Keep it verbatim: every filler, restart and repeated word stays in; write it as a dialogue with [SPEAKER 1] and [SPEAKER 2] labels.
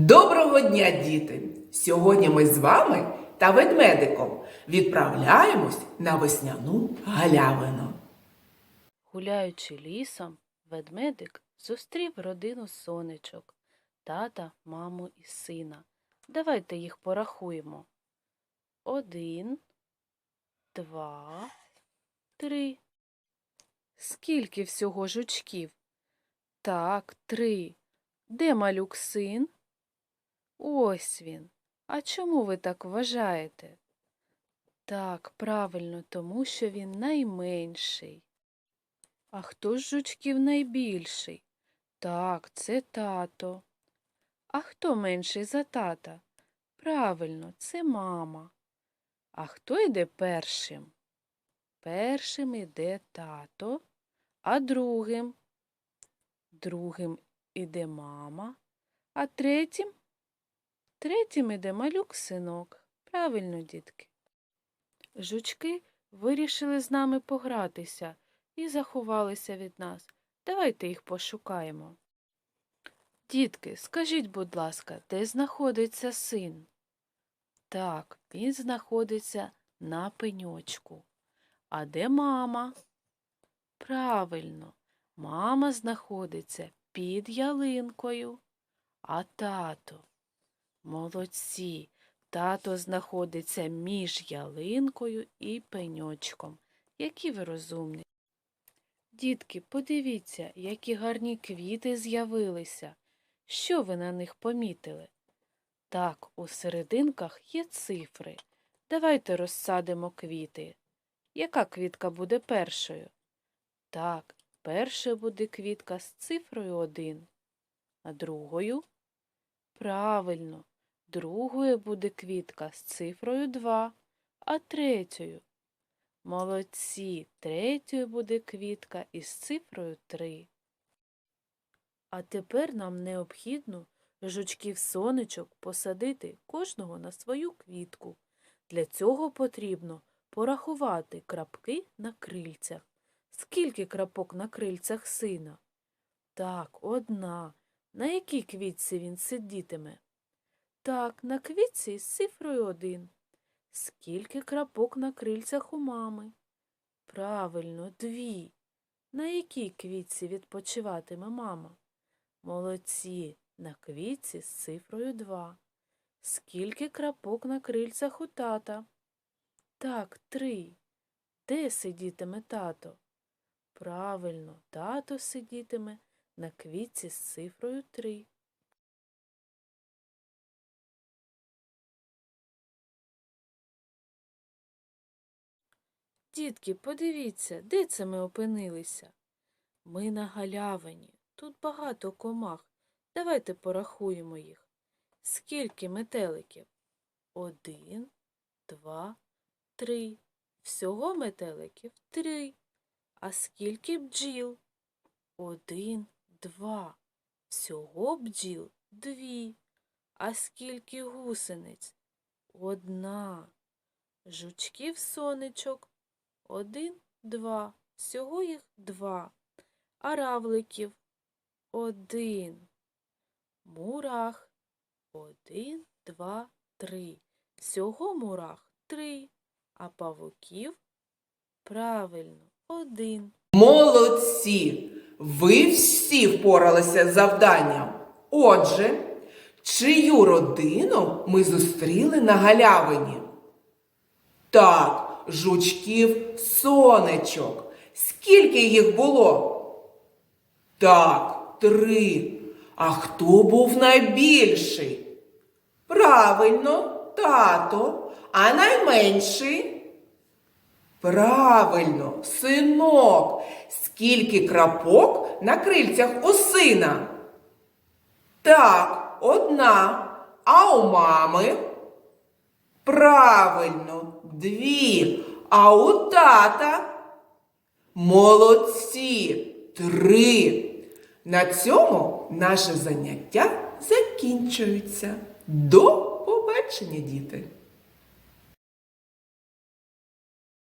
[SPEAKER 1] Доброго дня, діти! Сьогодні ми з вами та ведмедиком відправляємось на весняну галявину.
[SPEAKER 2] Гуляючи лісом, ведмедик зустрів родину сонечок – тата, маму і сина. Давайте їх порахуємо. Один, два, три. Скільки всього жучків? Так, три. Де малюк син? Ось він. А чому ви так вважаєте? Так, правильно, тому що він найменший. А хто з жучків найбільший? Так, це тато. А хто менший за тата? Правильно, це мама. А хто йде першим? Першим іде тато, а другим? Другим іде мама, а третім? Третім іде малюк-синок. Правильно, дітки. Жучки вирішили з нами погратися і заховалися від нас. Давайте їх пошукаємо. Дітки, скажіть, будь ласка, де знаходиться син? Так, він знаходиться на пеньочку. А де мама? Правильно, мама знаходиться під ялинкою. А тато? Молодці, тато знаходиться між ялинкою і пеньочком. Які ви розумні. Дітки, подивіться, які гарні квіти з'явилися. Що ви на них помітили? Так, у серединках є цифри. Давайте розсадимо квіти. Яка квітка буде першою? Так, першою буде квітка з цифрою один. А другою? Правильно, другою буде квітка з цифрою два. А третьою? Молодці, третьою буде квітка із цифрою три. А тепер нам необхідно жучків-сонечок посадити кожного на свою квітку. Для цього потрібно порахувати крапки на крильцях. Скільки крапок на крильцях сина? Так, одна. На якій квітці він сидітиме? Так, на квітці з цифрою один. Скільки крапок на крильцях у мами? Правильно, дві. На якій квітці відпочиватиме мама? Молодці, на квітці з цифрою два. Скільки крапок на крильцях у тата? Так, три. Де сидітиме тато? Правильно, тато сидітиме на квітці з цифрою три. Дітки, подивіться, де це ми опинилися? Ми на галявині. Тут багато комах. Давайте порахуємо їх. Скільки метеликів? Один, два, три. Всього метеликів три. А скільки бджіл? Один, два. Всього бджіл дві. А скільки гусениць? Одна. Жучків-сонечок? Один, два. Всього їх два. А равликів? Один. Мурах? Один, два, три. Всього мурах три. А павуків? Правильно, один.
[SPEAKER 1] Молодці! Ви всі впоралися з завданням. Отже, чию родину ми зустріли на галявині? Так, жучків-сонечок. Скільки їх було? Так, три. А хто був найбільший? Правильно, тато. А найменший? Правильно, синок. Скільки крапок на крильцях у сина? Так, одна. А у мами? Правильно, дві. А у тата? Молодці, три. На цьому наше заняття закінчується. До побачення, діти!